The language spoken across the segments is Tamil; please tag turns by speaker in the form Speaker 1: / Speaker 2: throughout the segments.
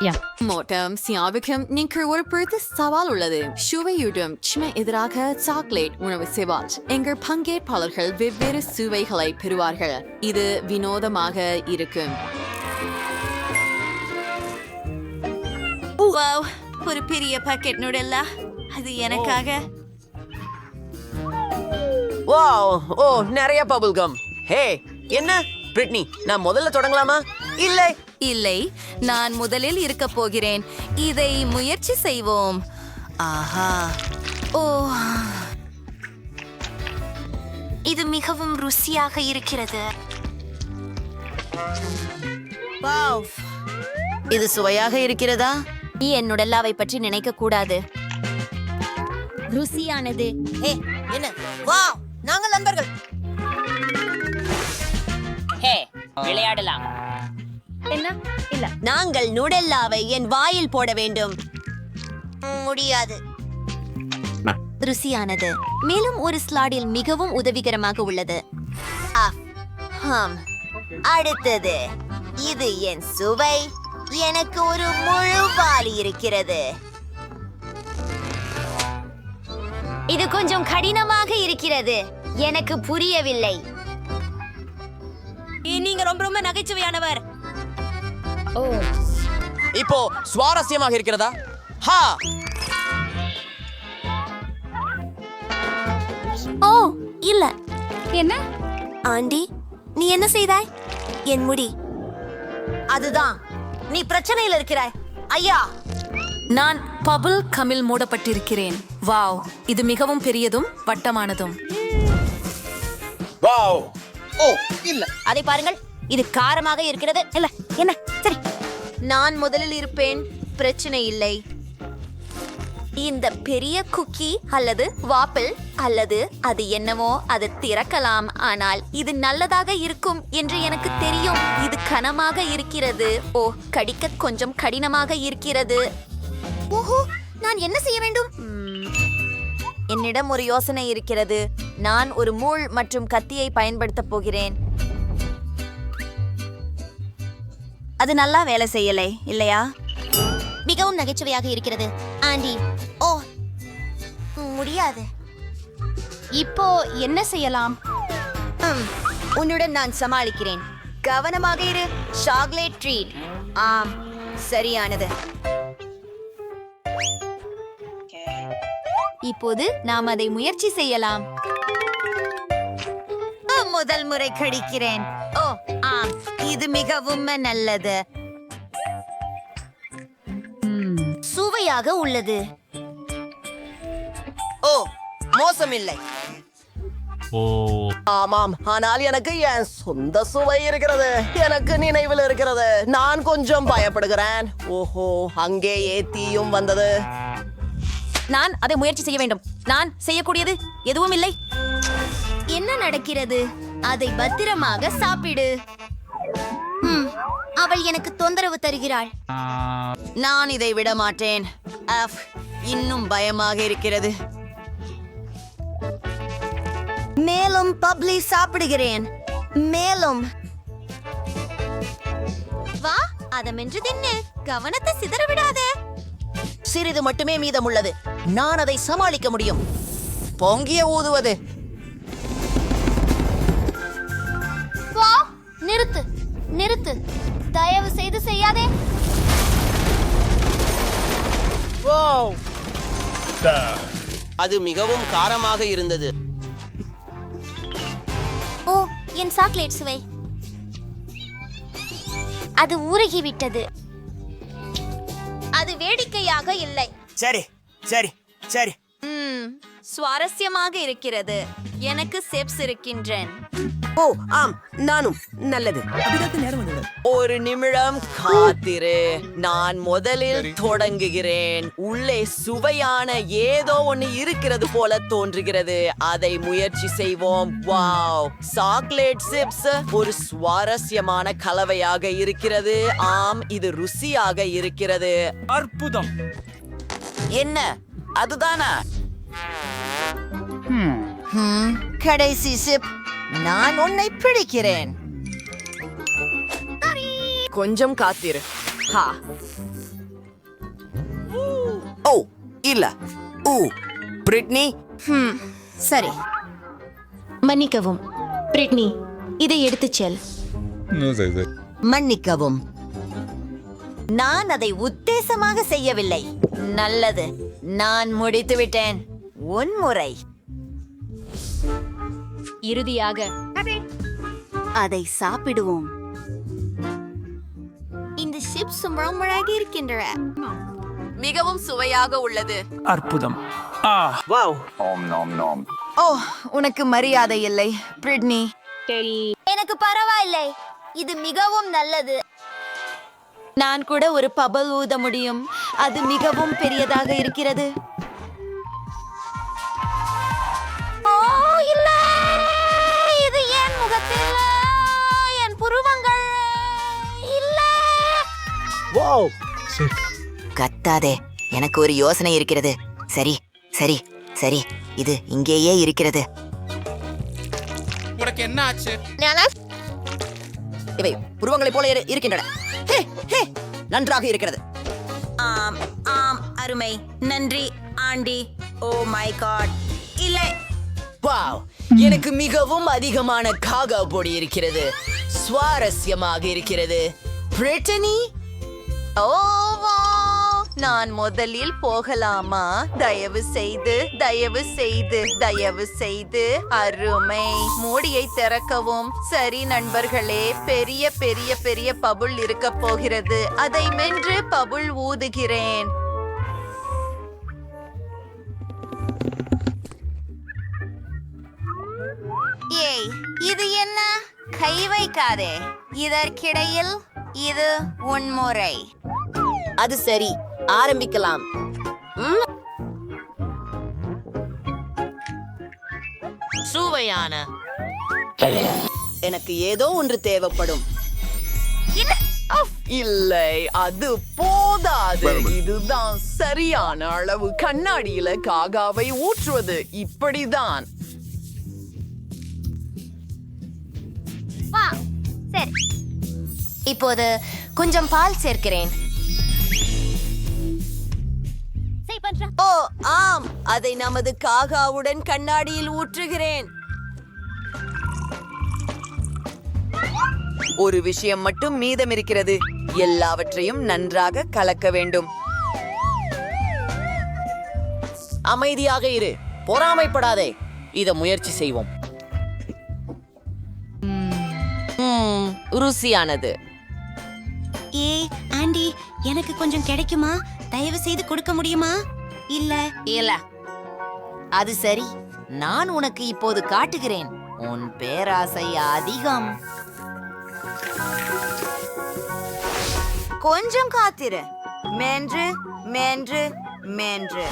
Speaker 1: மோட்டம் சியாவுக்கும் நீங்கள் ஒரு பொறுத்து சவால் உள்ளது. சுவையுடன் சுமை எதிராக சாக்லேட் உணவு செய்வார். எங்கள் பங்கேற்பாளர்கள் வெவ்வேறு சுவைகளை பெறுவார்கள். இது வினோதமாக இருக்கும்.
Speaker 2: ஒரு பெரிய பாக்கெட் நூடல்லா, அது எனக்காக.
Speaker 3: ஓ நிறைய பபிள் கம். ஹே என்ன பிரிட்னி, நான் முதல்ல தொடங்கலாமா?
Speaker 2: இல்லை, நான் முதலில் இருக்க போகிறேன். இதை முயற்சி செய்வோம். ஆஹா, ஓ, இது மிகவும் ருசியாக இருக்கிறது.
Speaker 3: இது சுவையாக இருக்கிறதா?
Speaker 2: நீ என்னுடல்லாவை பற்றி நினைக்க கூடாது. ருசியானது.
Speaker 3: என்ன? வாவ், நாங்கள் நண்பர்கள்.
Speaker 4: விளையாடலாம்.
Speaker 2: என்ன? இல்ல,
Speaker 3: நாங்கள் நூடெல்லாவை என் வாயில் போட வேண்டும். முடியாது.
Speaker 2: ருசியானது. மேலும் ஒரு ஸ்லாடில் மிகவும் உதவிகரமாக உள்ளது.
Speaker 3: அடுத்தது, இது என் சுவை. எனக்கு ஒரு முழு வாளி இருக்கிறது.
Speaker 2: இது கொஞ்சம் கடினமாக இருக்கிறது. எனக்கு புரியவில்லை.
Speaker 3: நீங்க ரொம்ப ரொம்ப நகைச்சுவையானவர்.
Speaker 5: இப்போ சுவாரஸ்யமாக இருக்கிறதா?
Speaker 2: ஓ இல்ல. என்ன
Speaker 3: ஆண்டி, நீ என்ன செய்தாய்? என் முடி. அதுதான், நீ பிரச்சனையில் இருக்கிறாய். ஐயா,
Speaker 6: நான் பபிள் கமில் மூடப்பட்டிருக்கிறேன். வாவ், இது மிகவும் பெரியதும் வட்டமானதும்.
Speaker 5: வாவ், ஓ இல்ல,
Speaker 3: அதை பாருங்கள், இது காரமாக இருக்கிறது. இல்ல, என்ன? சரி, நான் முதலில் இருப்பேன். பிரச்சனை இல்லை. இந்த பெரிய குக்கி அல்லது வாப்பிள் அல்லது அது என்னவோ, அது திறக்கலாம். ஆனால் இது நல்லதாக இருக்கும் என்று எனக்கு தெரியும். இது கனமாக இருக்கிறது. ஓ, கடிக்க கொஞ்சம் கடினமாக இருக்கிறது. ஓஹோ, நான் என்ன செய்ய வேண்டும்? என்னிடம் ஒரு யோசனை இருக்கிறது. நான் ஒரு முள் மற்றும் கத்தியை பயன்படுத்தப் போகிறேன். அது நல்லா வேலை செய்யலை, இல்லையா? மிகவும் நகைச்சுவையாக இருக்கிறது. ஆண்டி, ஓ முடியாது.
Speaker 2: இப்போ என்ன செய்யலாம்?
Speaker 3: உன்னுடன் நான் சமாளிக்கிறேன். கவனமாக இரு. Chocolate treat. ஆம், சரியானது.
Speaker 2: இப்போது நாம் அதை முயற்சி செய்யலாம்.
Speaker 3: முதல் முறை கடிக்கிறேன். ஓ ஆம், இது மிகவும் நல்லது. சுவையாக உள்ளது.
Speaker 5: ஓ மோசமில்லை. ஆமாம், ஆனால் எனக்கு என் சொந்த சுவை இருக்கிறது. எனக்கு நினைவில் இருக்கிறது. நான் கொஞ்சம் பயப்படுகிறேன். ஓஹோ, அங்கேயே தீயும் வந்தது.
Speaker 2: நான் அதை முயற்சி செய்ய வேண்டும். நான் செய்யக்கூடியது எதுவும் இல்லை. என்ன நடக்கிறது? அதை பத்திரமாக சாப்பிடு. அவள் எனக்கு தொந்தரவு தருகிறாள்.
Speaker 3: நான் இதை விட மாட்டேன். இன்னும் பயமாக இருக்கிறது. மேலும் பப்ளி சாப்பிடுகிறேன். மேலும்
Speaker 2: வா, அதமென்று தின்னு. கவனத்தை சிதற விடாதே.
Speaker 3: சிறிது மட்டுமே மீதம் உள்ளது. நான் அதை சமாளிக்க முடியும்.
Speaker 5: பொங்கிய ஊதுவது.
Speaker 2: வா, நிறுத்து நிறுத்து. தயவு செய்து செய்யாதே.
Speaker 5: அது மிகவும் காரமாக இருந்தது.
Speaker 2: ஓ, என் சாக்லேட் சுவை. அது உருகிவிட்டது. அது வேடிக்கையாக இல்லை.
Speaker 5: சரி சரி சரி.
Speaker 3: சுவாரஸ்யமாக இருக்கிறது. எனக்கு செப்ஸ் இருக்கின்றேன்.
Speaker 5: ஓ ஆம், நானும். நல்லது. ஒரு நிமிடம் காத்திரு. நான் முதலில் தொடங்குகிறேன். உள்ளே சுவையான ஏதோ ஒன்று இருக்கிறது போல தோன்றுகிறது. அதை முயற்சி செய்வோம். வாவ், சாக்லேட் சிப்ஸ் ஒரு சுவாரஸ்யமான கலவையாக இருக்கிறது. ஆம், இது ருசியாக இருக்கிறது.
Speaker 7: அற்புதம்.
Speaker 5: என்ன, அதுதானா?
Speaker 3: கடைசி சிப். நான் உன்னை பிடிக்கிறேன்.
Speaker 5: கொஞ்சம் காத்திரு.
Speaker 7: இல்ல பிரிட்னி.
Speaker 2: சரி, மன்னிக்கவும் பிரிட்னி, இதை எடுத்துச் செல்.
Speaker 3: மன்னிக்கவும், நான் அதை உத்தேசமாக செய்யவில்லை. நல்லது, நான் முடித்து விட்டேன். உன் முறை.
Speaker 2: இறுதியாக
Speaker 3: அதை சாப்பிடுவோம்.
Speaker 2: இந்த சிப்ஸ் ரொம்ப இருக்கின்றன.
Speaker 1: மிகவும் சுவையாக உள்ளது.
Speaker 8: அற்புதம்.
Speaker 5: வாவ்.
Speaker 3: ஓ, உனக்கு மரியாதை இல்லை பிரிட்னி.
Speaker 2: எனக்கு பரவாயில்லை, இது மிகவும் நல்லது.
Speaker 3: நான் கூட ஒரு பபல் ஊத முடியும். அது மிகவும் பெரியதாக இருக்கிறது.
Speaker 2: ஓ இல்லை, இது என் முகத்தில், என் புருவங்கள் இல்லை.
Speaker 5: வாவ்.
Speaker 3: கத்தாதே, எனக்கு ஒரு யோசனை இருக்கிறது. சரி சரி சரி, இது இங்கேயே இருக்கிறது.
Speaker 8: உனக்கு என்ன ஆச்சு?
Speaker 5: இவை புருவங்களைப் போல இருக்கின்றன. ஹே, ஹே, நன்றாக இருக்கிறது.
Speaker 2: ஆம் ஆம், அருமை, நன்றி ஆண்டி. ஓ மை காட், இல்லை.
Speaker 5: வாவ், எனக்கு மிகவும் அதிகமான காகா பொடி இருக்கிறது. சுவாரஸ்யமாக இருக்கிறது. பிரிட்டனி,
Speaker 3: ஓ வா, நான் முதலில் போகலாமா? தயவு செய்து தயவு செய்து தயவு செய்து. அருமை, மூடியை திறக்கவும். சரி நண்பர்களே, பெரிய பெரிய பெரிய பபுள் இருக்க போகிறது. அதை மென்று பபுள் ஊதுகிறேன்.
Speaker 2: ஏய், இது என்ன? கை வைக்காதே. இதற்கிடையில் இது உன்முறை.
Speaker 5: அது சரி, ஆரம்பிக்கலாம்.
Speaker 7: சுவையான.
Speaker 5: எனக்கு ஏதோ ஒன்று தேவைப்படும். இல்லை, அது போதாது. இதுதான் சரியான அளவு. கண்ணாடியில காகாவை ஊற்றுவது இப்படிதான்.
Speaker 2: சரி, இப்போது கொஞ்சம் பால் சேர்க்கிறேன்.
Speaker 3: ஓ ஆம், அதை நமது காகாவுடன் கண்ணாடியில் ஊற்றுகிறேன்.
Speaker 5: ஒரு விஷயம் மட்டும் மீதம் இருக்கிறது. எல்லாவற்றையும் நன்றாக கலக்க வேண்டும். அமைதியாக இரு, பொறாமைப்படாதே. இத முயற்சி செய்வோம். ருசியானது.
Speaker 2: ஏய் ஆண்டி, எனக்கு கொஞ்சம் கிடைக்குமா? தயவு செய்து கொடுக்க முடியுமா? இல்ல
Speaker 3: இல்ல, அது சரி. நான் உனக்கு இப்போது காட்டுகிறேன். உன் பேராசை அதிகம். கொஞ்சம் காத்திரு. மென்று மென்று மென்று.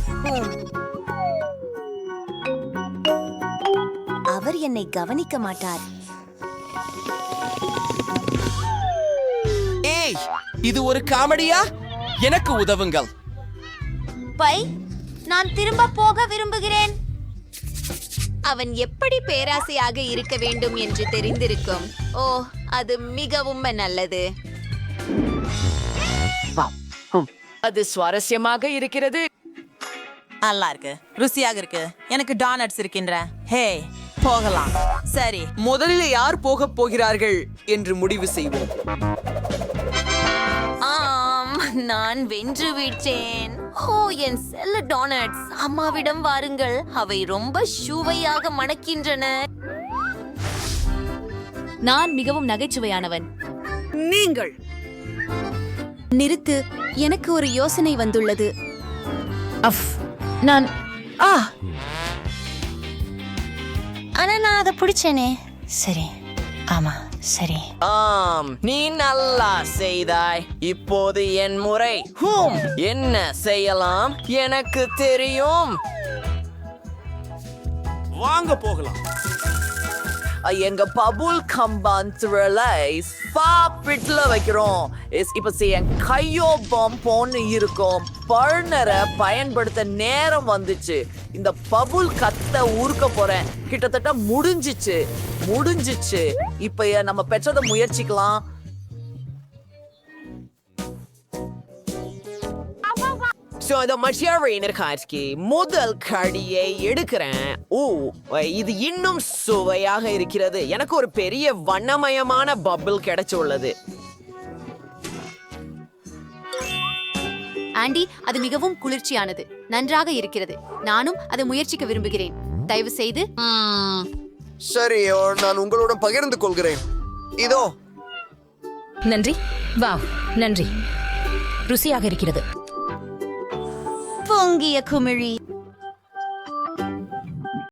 Speaker 3: அவர் என்னை கவனிக்க மாட்டார்.
Speaker 7: ஏய், இது ஒரு காமெடியா? எனக்கு உதவுங்கள்.
Speaker 2: பை, நான் திரும்ப போக விரும்புகிறேன்.
Speaker 3: அவன் எப்படி பேராசையாக இருக்க வேண்டும் என்று தெரிந்திருக்கும். ஓ, அது மிகவும் நல்லது.
Speaker 5: அது சுவாரஸ்யமாக இருக்கிறது.
Speaker 9: நல்லா இருக்கு, ருசியாக இருக்கு. எனக்கு டானட்ஸ் இருக்கின்ற. ஹே, போகலாம். சரி,
Speaker 7: முதலில் யார் போக போகிறார்கள் என்று முடிவு செய்வோம்.
Speaker 3: ஆம், நான் வென்று விட்டேன். ஓ, என் செல்ல டோனட்ஸ். அம்மாவிடம் வாருங்கள், அவை ரொம்ப சுவையாக மணக்கின்றன.
Speaker 1: நான் மிகவும் நகைச்சுவையானவன்.
Speaker 7: நீங்கள்
Speaker 1: நிறுத்து, எனக்கு ஒரு யோசனை வந்துள்ளது.
Speaker 2: ஆனா நான் அதை பிடிச்சேனே. சரி, ஆமா சரி.
Speaker 5: ஆம், நீ நல்லா செய்தாய். இப்போது என் முறை. என்ன செய்யலாம்? எனக்கு தெரியும்.
Speaker 8: வாங்க போகலாம்.
Speaker 5: எங்க பபுல் கம்பான்ல சாப்பிட்டுல வைக்கிறோம். இப்ப என் கையோ பம்பொன்னு இருக்கும். பர்னரை பயன்படுத்த நேரம் வந்துச்சு. இந்த பபுல் கத்த ஊறுக்க போறேன். கிட்டத்தட்ட முடிஞ்சிச்சு. இப்ப நம்ம பெற்றதை முயற்சிக்கலாம். சோ அந்த மஷியாவினர் காட்சி முதல் கடியை எடுக்கிறேன். ஓ, இது இன்னும் சுவையாக இருக்கிறது. எனக்கு ஒரு பெரிய வண்ணமயமான பபிள் கிடைச்சுள்ளது.
Speaker 1: ஆண்டி, அது மிகவும் குளிர்ச்சியானது. நன்றாக இருக்கிறது. நானும் அதை முயற்சிக்க விரும்புகிறேன். தயவு செய்து.
Speaker 10: சரி, நான் உங்களுடன் பகிர்ந்து கொள்கிறேன். இதோ.
Speaker 2: நன்றி. வாவ், நன்றி. ருசியாக இருக்கிறது.
Speaker 3: பொங்கிய குமிழி.